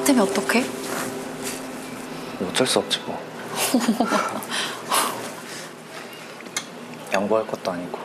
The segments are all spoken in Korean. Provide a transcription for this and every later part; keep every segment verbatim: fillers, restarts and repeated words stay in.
때문에 어떡해? 어쩔 수 없지 뭐. 양보할 것도 아니고.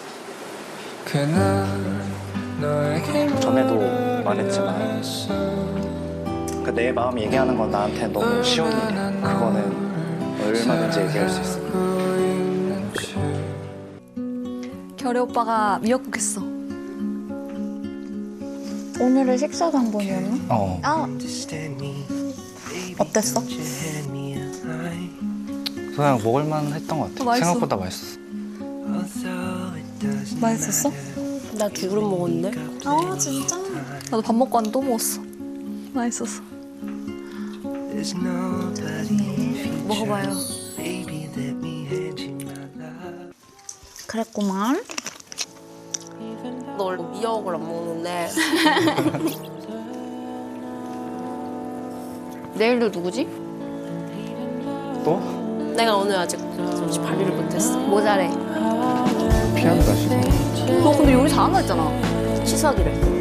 전에도 말했지만 그 내 마음 얘기하는 건 나한테 너무 쉬운 일이야. 그거는 얼마든지 얘기할 수 있어. 결이 오빠가 미역국 했어. 오늘은 식사 당번이었나? 어. 아, 어땠어? 그냥 먹을만 했던 것 같아. 어, 맛있어. 생각보다 맛있었어. 맛있었어? 나 두 그릇 먹었는데? 아, 진짜? 나도 밥 먹고 왔는데 또 먹었어. 맛있었어. 먹어봐요. 그랬구만. 너 원래 미역을 안 먹는데. 내일도 누구지? 또? 내가 오늘 아직 발휘를 못했어. 뭐 잘해? 피아노 다시. 너 근데 요리 잘한다 했잖아. 취석이래.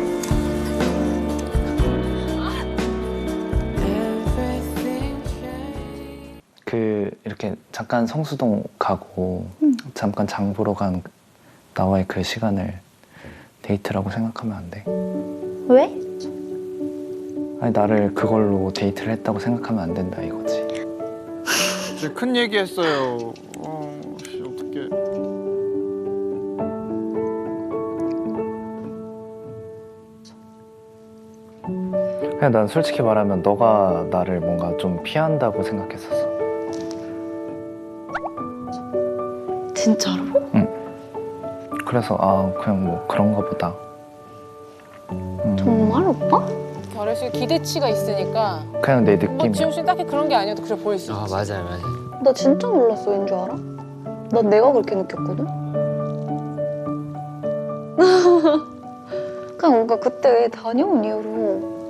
그 이렇게 잠깐 성수동 가고 응. 잠깐 장 보러 간 나와의 그 시간을 데이트라고 생각하면 안 돼. 왜? 아니 나를 그걸로 데이트를 했다고 생각하면 안 된다 이거지. 진짜 큰 얘기했어요. 어, 씨, 어떡해. 그냥 난 솔직히 말하면 너가 나를 뭔가 좀 피한다고 생각했었어. 진짜로? 그래서 아 그냥 뭐 그런가 보다. 음, 정말 오빠? 결혼 씨 기대치가 있으니까 그냥 내 뭐 느낌이야. 지용 씨 딱히 그런 게 아니어도 그래 보일 수 있지. 아 맞아요 맞아요. 나 진짜 몰랐어, 왠 줄 알아? 난 내가 그렇게 느꼈거든? 그냥 뭔가 그때 다녀온 이후로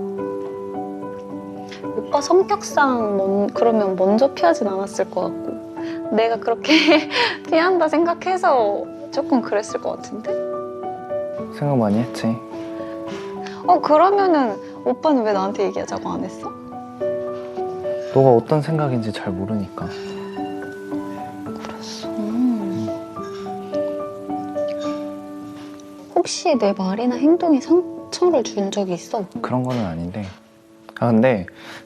오빠 성격상 먼, 그러면 먼저 피하진 않았을 것 같고 내가 그렇게 피한다 생각해서 조금 그랬을 것 같은데? 생각 많이 했지. 어 그러면은 오빠는 왜 나한테 얘기하자고 안 했어? 너가 어떤 생각인지 잘 모르니까. 그랬어. 음. 혹시 내 말이나 행동에 상처를 준 적이 있어? 그런 거는 아닌데. 아 근데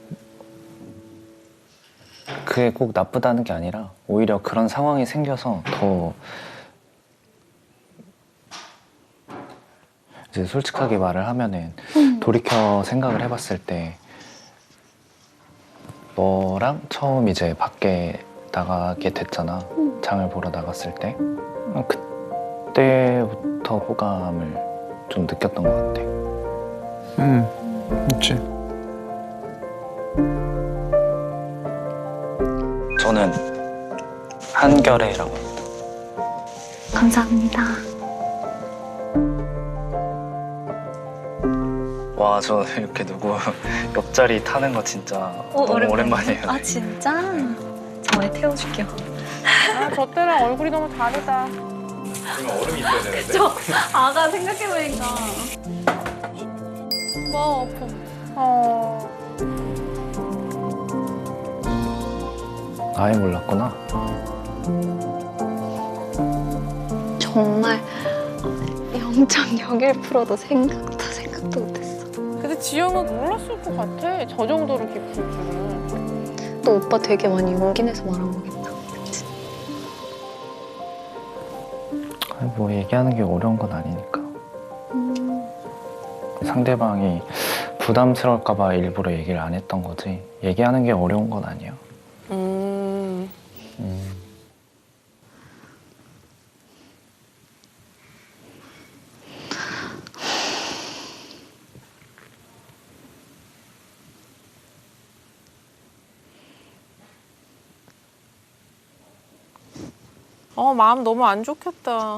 그게 꼭 나쁘다는 게 아니라 오히려 그런 상황이 생겨서 더 이제 솔직하게 말을 하면은 음. 돌이켜 생각을 해봤을 때 너랑 처음 이제 밖에 나가게 됐잖아. 음. 장을 보러 나갔을 때 그때부터 호감을 좀 느꼈던 것 같아. 응, 있지. 저는 한결애라고 합니다. 감사합니다. 와, 저 이렇게 누구 옆자리 타는 거 진짜 어, 너무 오랜만이네. 오랜만이에요. 아 진짜? 잠깐만 태워줄게요. 아, 저 때랑 얼굴이 너무 다르다. 얼음이 있어야 되는데. 저 아가 생각해보니까 뭐 아파. 어. 아예 몰랐구나. 정말 영 점 영일 퍼센트도 생각도 생각도 못했어. 근데 지영은 몰랐을 것 같아. 저 정도로 깊을 줄은. 또 오빠 되게 많이 용기 내서 말한 거겠다. 그치? 아니, 뭐 얘기하는 게 어려운 건 아니니까. 음. 상대방이 부담스러울까 봐 일부러 얘기를 안 했던 거지. 얘기하는 게 어려운 건 아니야. 음. 음. 어, 마음 너무 안 좋겠다.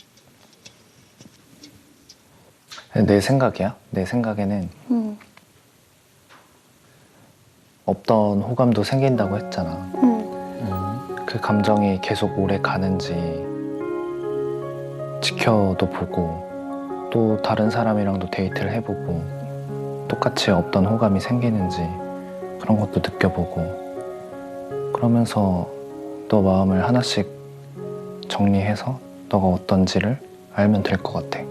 내 생각이야. 내 생각에는 음. 없던 호감도 생긴다고 했잖아. 음. 음, 그 감정이 계속 오래 가는지 지켜도 보고 또 다른 사람이랑도 데이트를 해보고 똑같이 없던 호감이 생기는지 그런 것도 느껴보고, 그러면서 너 마음을 하나씩 정리해서 너가 어떤지를 알면 될 것 같아.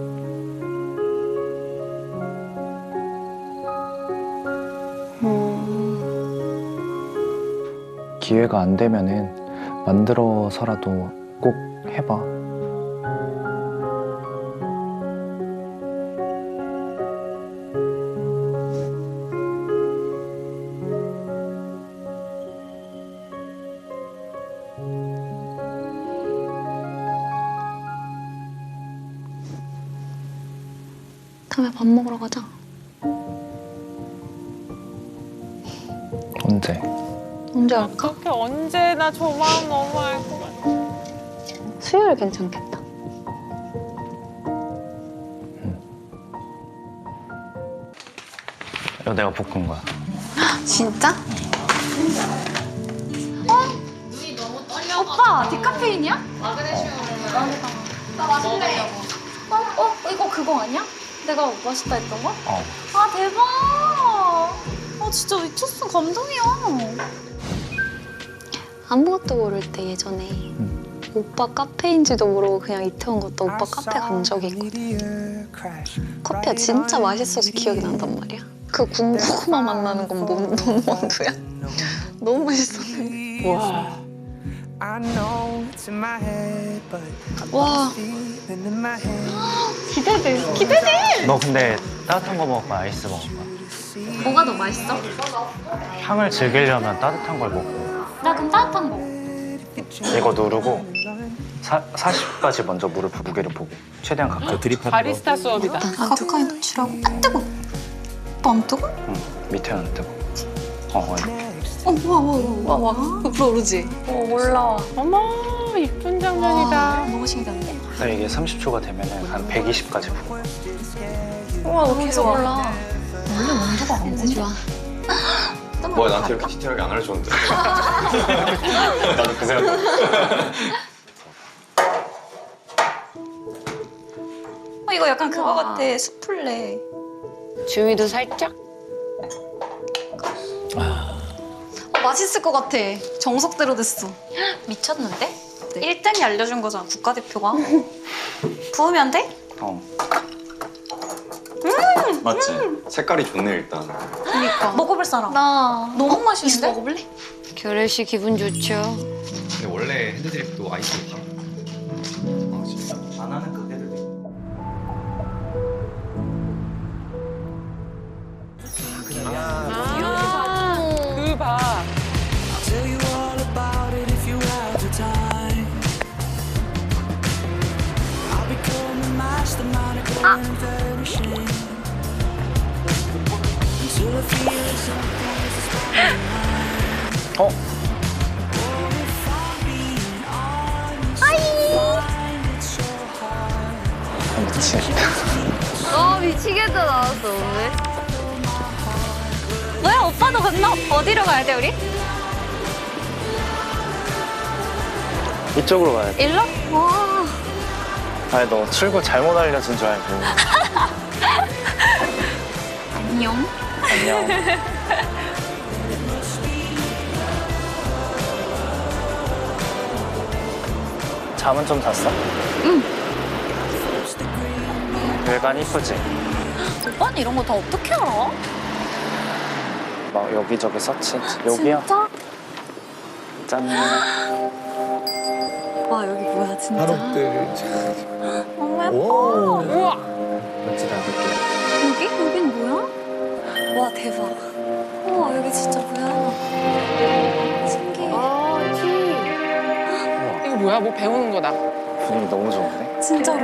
음, 기회가 안 되면은 만들어서라도 꼭 해봐. 다음에 밥 먹으러 가자. 언제? 언제 갈까? 그렇게 언제나 저 마음 너무 알 것 같아. 수요일 괜찮겠다. 이거 내가 볶은 거야. 진짜? 어? 오빠 디카페인이야? 나 마실래. 어? 어? 이거 그거 아니야? 내가 맛있다 했던 거? 어. 아 대박! 아 진짜 미쳤어. 감동이야. 아무것도 모를 때 예전에 오빠 카페인지도 모르고 그냥 이태원 갔다 오빠 카페 간 적이 있거든. 커피가 진짜 맛있어서 기억이 난단 말이야. 그 군고구마 맛 나는 건 뭐, 뭔 원두야? 너무 맛있었는데. 와. 와. 기대돼. 기대돼. 너 근데 따뜻한 거 먹을 거야? 아이스 먹을 거야? 뭐가 더 맛있어? 향을 즐기려면 따뜻한 걸 먹고, 나 그럼 따뜻한 거. 이거 누르고 사, 사십까지 먼저 물을 무게를 보고 최대한 가까이. 드립하는 바리스타 수업이다. 가까이 놓치라고? 안 뜨거. 오빠 안 뜨거? 응, 밑에는 안 뜨고. 어, 어, 이렇게. 어, 와, 와, 와, 와, 와. 불어오르지? 어, 몰라. 어머, 이쁜 장면이다. 너무 신기한데? 그래서 이게 삼십 초가 되면은 한 백이십까지 부고. 우와, 너 계속 좋아. 몰라. 원래 온도가 안 진짜 좋아. 뭐야, 나한테 이렇게 디테일하게 안 알려줬는데. 나도 그 생각. 어, 이거 약간 그거 같아. 수플레. 주위도 살짝? 어, 맛있을 것 같아. 정석대로 됐어. 미쳤는데? 일 등이 알려준 거잖아, 국가대표가. 부으면 돼? 어. 맞지? 색깔이 좋네, 일단. 그니까. 먹어볼 사람. 나 너무 맛있는데? 먹어볼래? 결혜 씨 기분 좋죠? 근데 원래 핸드드립도 아이스였지. 아, 진짜. 안 하는 그 애들도 있고. 아, 그 봐. 어? 아이. 미치겠다. 어 미치겠다 나왔어 오늘. 뭐야, 오빠도 건너? 어디로 가야 돼, 우리? 이쪽으로 가야 돼. 일로? 와. 아니, 너 출구 잘못 알려준 줄 알고. 안녕. 안녕. 잠은 좀 잤어? 응. 외관 이쁘지? 오빠는 이런 거 다 어떻게 알아? 막 여기저기 서치. 여기야. 진짜? 짠. 와, 여기 뭐야, 진짜. 너무 예뻐. 우와. 멋지 닫을게. 여기? 여긴 뭐야? 와, 대박. 우와, 여기 진짜 뭐야. 신기해. 아, 티. 이거 뭐야? 뭐 배우는 거다. 분위기 너무 좋은데? 진짜로.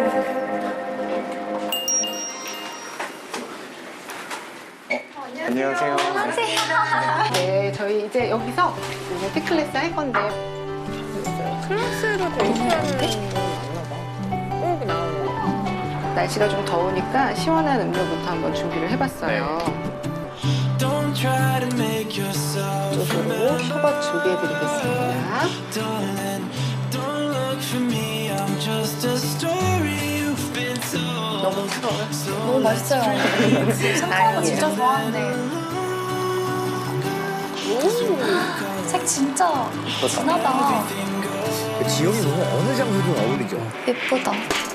안녕하세요. 네, 저희 이제 여기서 이제 피클래스 할 건데 클래스로 데이트하는 건 맞나 봐. 꼭 나오는 거. 날씨가 좀 더우니까 시원한 음료부터 한번 준비를 해봤어요. Don't try to make yourself 이쪽으로 셔벗 준비해드리겠습니다. darling. Don't look for me. I'm just a story you've been told. 너무 너무 맛있어요. 생각보다 진짜 좋아하는데. 색 진짜 진하다. 지영이 너무 어느 장소든 어울리죠. 예쁘다.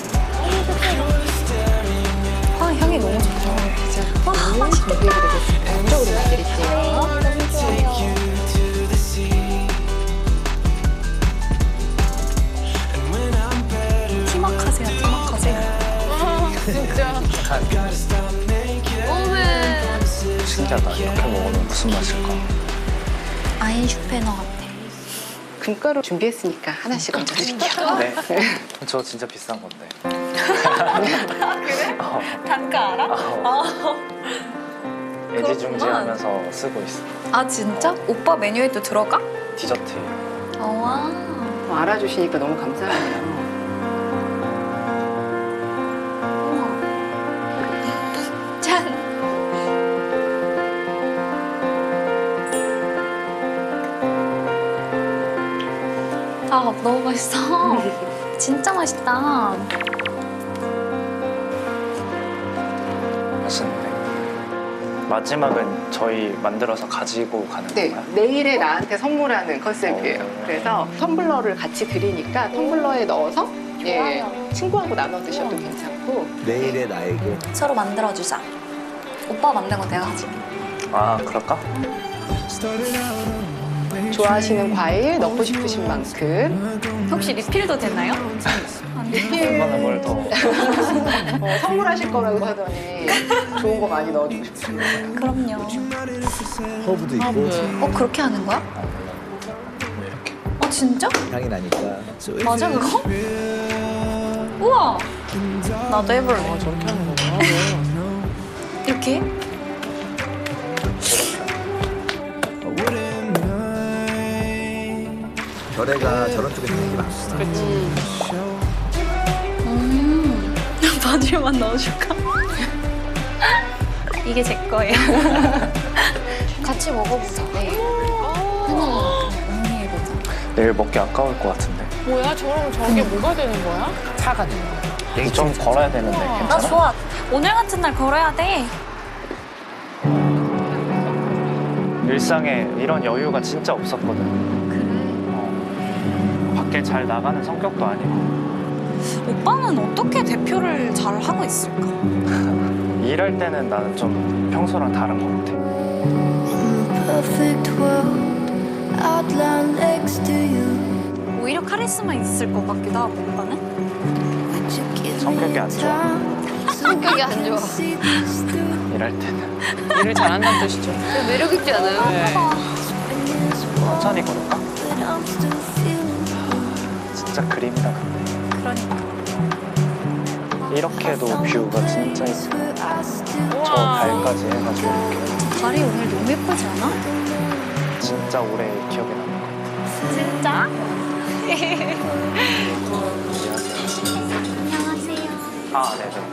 아, 향이 너무 좋다. 와, 맛있겠다. 왼쪽으로 만드릴게요. 너무 좋아요. 티막하세요, 티막하세요. 진짜. 신기하다. 이렇게 먹으면 무슨 맛일까? 아인 슈페너 같아. 금가루 준비했으니까 하나씩 얹어 드릴게요. 네. 저 진짜 비싼 건데. 그래? 어. 단가 알아? 어. 애지중지하면서 그렇구만. 쓰고 있어. 아, 진짜? 오빠 메뉴에도 들어가? 디저트. 어, 와. 어, 알아주시니까 너무 감사해요. 짠. 아, 너무 맛있어. 진짜 맛있다. 맛있는데. 마지막은 저희 만들어서 가지고 가는 네, 건가요? 내일에 나한테 선물하는 컨셉이에요. 어. 그래서 텀블러를 같이 드리니까 텀블러에 넣어서 예, 친구하고 나눠 드셔도 괜찮고. 내일의 나에게. 서로 만들어주자. 오빠 만든 거 내가 가질게. 아, 그럴까? 좋아하시는 과일 넣고 싶으신 만큼 혹시 리필도 되나요? 얼마나 뭘 더. 어, 선물하실 거라고 하더니 좋은 거 많이 넣어주고 싶으신 거예요. 그럼요. 허브도 있고 어, 그렇게 하는 거야? 이렇게. 어, 진짜? 향이 나니까. 맞아, 그거? 우와! 나도 해볼래. 아, 저렇게 하는 거구나. 이렇게? 결애가 저런 쪽에 향이 많구나. 음. 바질만 넣어줄까? 이게 제 거예요. 같이 먹어보자. 네. 하나 음미해보자. 내일 먹기 아까울 것 같은데. 뭐야? 저러면 저게 뭐가 되는 거야? 차가 되는 거야. 좀 걸어야 되는데 나 괜찮아? 좋아. 오늘 같은 날 걸어야 돼. 일상에 이런 여유가 진짜 없었거든. 그래. 어. 밖에 잘 나가는 성격도 아니고. 오빠는 어떻게 대표를 잘 하고 있을까? 일할 때는 나는 좀 평소랑 다른 것 같아. Perfect world, outline next to you. 오히려 카리스마 있을 것 같기도 하고, 오빠는? Would you give 성격이 me 안 좋아. time? 성격이 안 좋아. See this through. 일할 때는. 일을 잘한다는 뜻이죠. 매력 있지 않아요? 네. 천천히 걸을까? But I'm still feeling 진짜 그림이다 근데. 그러니까. 이렇게도 뷰가 진짜 this 예뻐. where I still 저 달까지 해가지고 이렇게. 달이 오늘 너무 예쁘지 않아? 진짜 오래 기억에 남는 것 같아. 진짜? 안녕하세요. 아, 네네.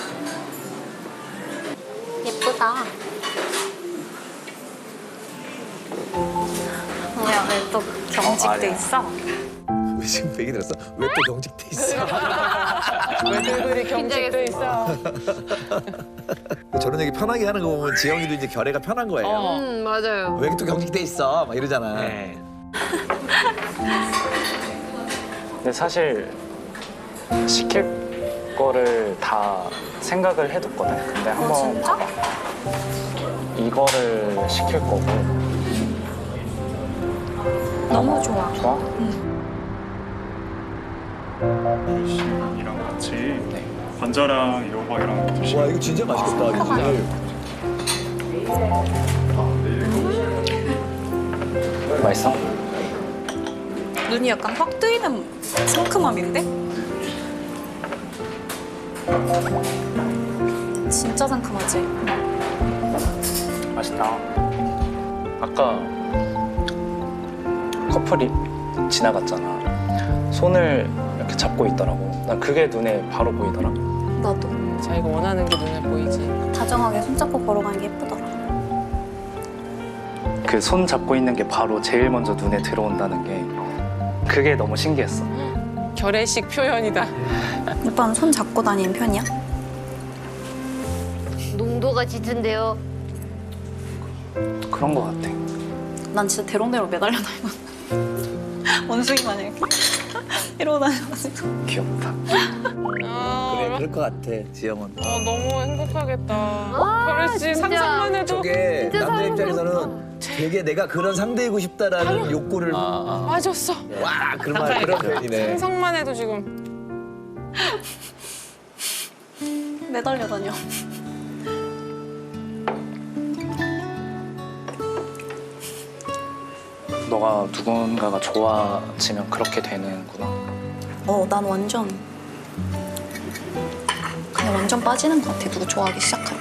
예쁘다. 뭐야, 왜 또 경직돼 어, 아니야. 있어? 왜 지금 얘기 들었어? 왜 또 경직돼 있어? 왜들들이 경직돼 있어. 저런 얘기 편하게 하는 거 보면 지영이도 이제 결애가 편한 거예요. 어. 음, 맞아요. 왜 또 경직돼 있어? 막 이러잖아. 네. 근데 사실 시킬 거를 다 생각을 해뒀거든. 근데 어, 한번 진짜? 이거를 시킬 거고. 너무 좋아. 좋아? 이랑 같이 관자랑 애호박이랑 드시면 와 이거 진짜 맛있겠다. 오늘. 맛있어? 눈이 약간 확 뜨이는 상큼함인데? 진짜 상큼하지? 맛있다. 아까 커플이 지나갔잖아. 손을 이렇게 잡고 있더라고. 난 그게 눈에 바로 보이더라. 나도. 자기가 원하는 게 눈에 보이지. 다정하게 손잡고 걸어가는 게 예쁘더라. 그 손 잡고 있는 게 바로 제일 먼저 눈에 들어온다는 게 그게 너무 신기했어. 결의식 표현이다. 오빠는 손 잡고 다니는 편이야? 온도가 짙은데요. 그런 거 같아. 난 진짜 대롱대롱 매달려 다니고 원숭이 마냥 이렇게 이러고 다녀가지고. 귀엽다. 아, 그래 그럴 것 같아 지영은. 아, 너무 행복하겠다. 아, 결혼 씨 진짜. 상상만 해도 저게 진짜 남자 사랑스럽다. 입장에서는 되게 내가 그런 상대이고 싶다라는 욕구를 빠졌어. 와 그런 말 그런 표현이네. 상상만 해도 지금. 매달려 다녀. 너가 누군가가 좋아지면 그렇게 되는구나. 어, 난 완전 그냥 완전 빠지는 것 같아. 누구 좋아하기 시작하면.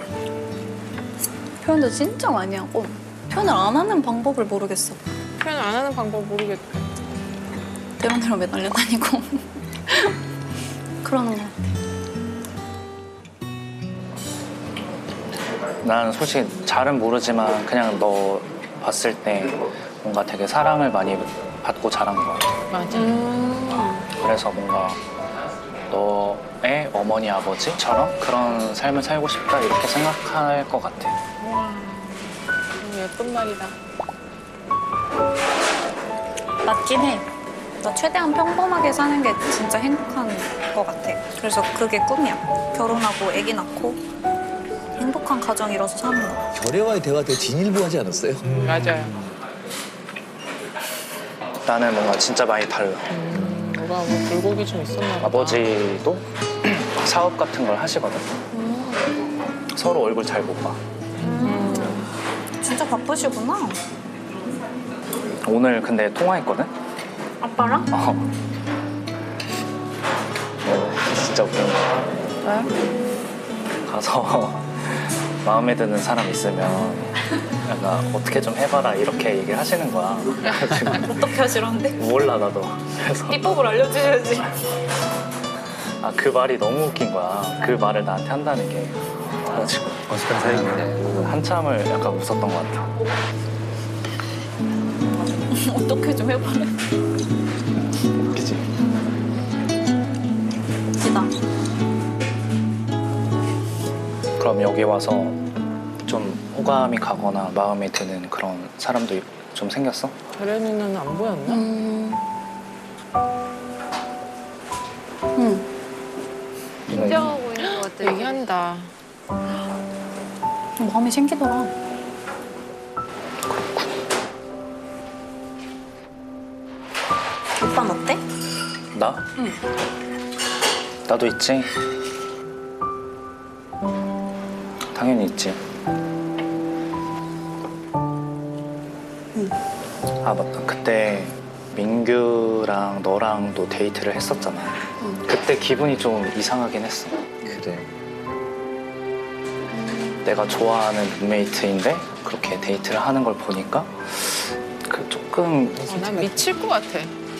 표현도 진짜 많이 하고 표현을 안 하는 방법을 모르겠어. 표현 안 하는 방법 모르겠다. 대롱대롱 매달려 다니고 그러는 것 같아. 난 솔직히 잘은 모르지만 그냥 너 봤을 때 뭔가 되게 사랑을 많이 받고 자란 것 같아. 맞아. 그래서 뭔가 너의 어머니 아버지처럼 그런 삶을 살고 싶다 이렇게 생각할 것 같아. 와, 너무 예쁜 말이다. 맞긴 해. 나 최대한 평범하게 사는 게 진짜 행복한 것 같아. 그래서 그게 꿈이야. 결혼하고 아기 낳고 행복한 가정 이뤄서 사는 거. 결애와의 대화 되게 진일보하지 않았어요? 맞아요. 나는 뭔가 진짜 많이 달라. 음, 뭐가 뭐 불고기 좀 있었나 보다. 아버지도 사업 같은 걸 하시거든. 서로 얼굴 잘 못 봐. 진짜 바쁘시구나. 오늘 근데 통화했거든? 아빠랑? 어. 어, 진짜 웃긴 거야. 왜? 가서 마음에 드는 사람 있으면 약간 어떻게 좀 해봐라 이렇게 얘기를 하시는 거야. 그래가지고 어떻게 하시라는데? 몰라 나도. 그래서 비법을 알려주셔야지. 아, 그 말이 너무 웃긴 거야. 그 말을 나한테 한다는 게. 그래가지고 어색한 사이인데. 한참을 약간 웃었던 것 같아. 어떻게 좀 해봐래. 웃기지? 웃기다. 그럼 여기 와서 좀 호감이 가거나 마음에 드는 그런 사람도 좀 생겼어? 결혜 누나는 안 보였나? 음. 응. 긴장하고 있는 것 같아. 얘기한다. 마음이 생기더라. 오빠는 어때? 나? 응. 나도 있지. 당연히 있지. 아 맞다. 그때 민규랑 너랑도 데이트를 했었잖아. 응. 그때 기분이 좀 이상하긴 했어. 그래. 내가 좋아하는 룸메이트인데 그렇게 데이트를 하는 걸 보니까 그 조금 어, 난 미칠 것 같아.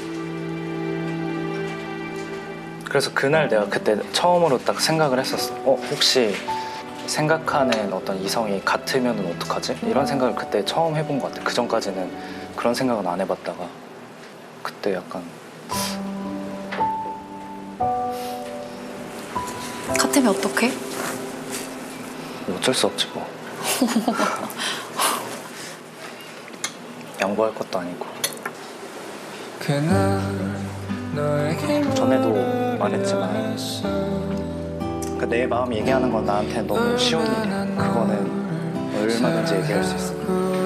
그래서 그날 내가 그때 처음으로 딱 생각을 했었어. 어 혹시 생각하는 어떤 이성이 같으면 어떡하지? 이런 생각을 그때 처음 해본 것 같아. 그 전까지는 그런 생각은 안 해봤다가 그때 약간 같으면 어떡해? 어쩔 수 없지 뭐. 양보할 것도 아니고. 전에도 말했지만 그러니까 내 마음 얘기하는 건 나한테 너무 쉬운 일이야. 그거는 얼마든지 얘기할 수 있어.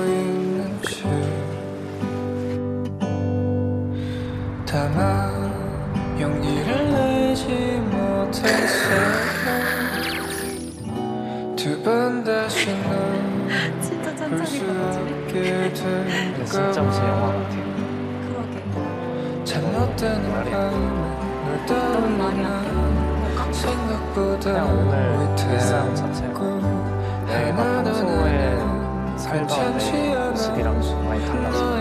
다만 용기를 내지 못했어. 두 번 다시 널 진짜 볼 수 없게 근데 진짜 무슨 영화 같아. 그러게. 잘못된 말이야. 널 너무 많이 아껴. 생각보다 그냥 오늘 일상 자체가 내가 평소에 살던 내 모습이랑 좀 많이 달라서.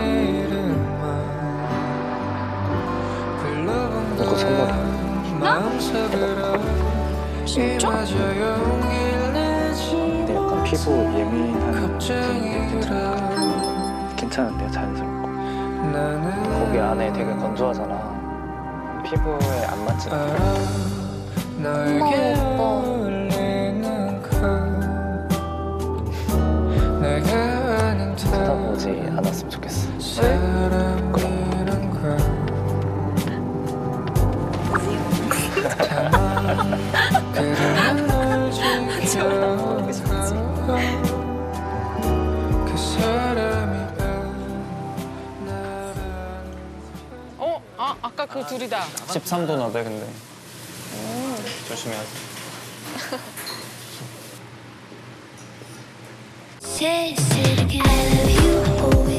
이거 선물이야. 진짜? 근데 약간 피부 예민한 분인데 괜찮은데요? 자연스럽고. 거기 안에 되게 건조하잖아. 피부에 안 맞지 않아. 너에게 어울리는 걸 그 둘이다. 십삼 도 나대 근데. 조심해야지. Say, say it again, I love you.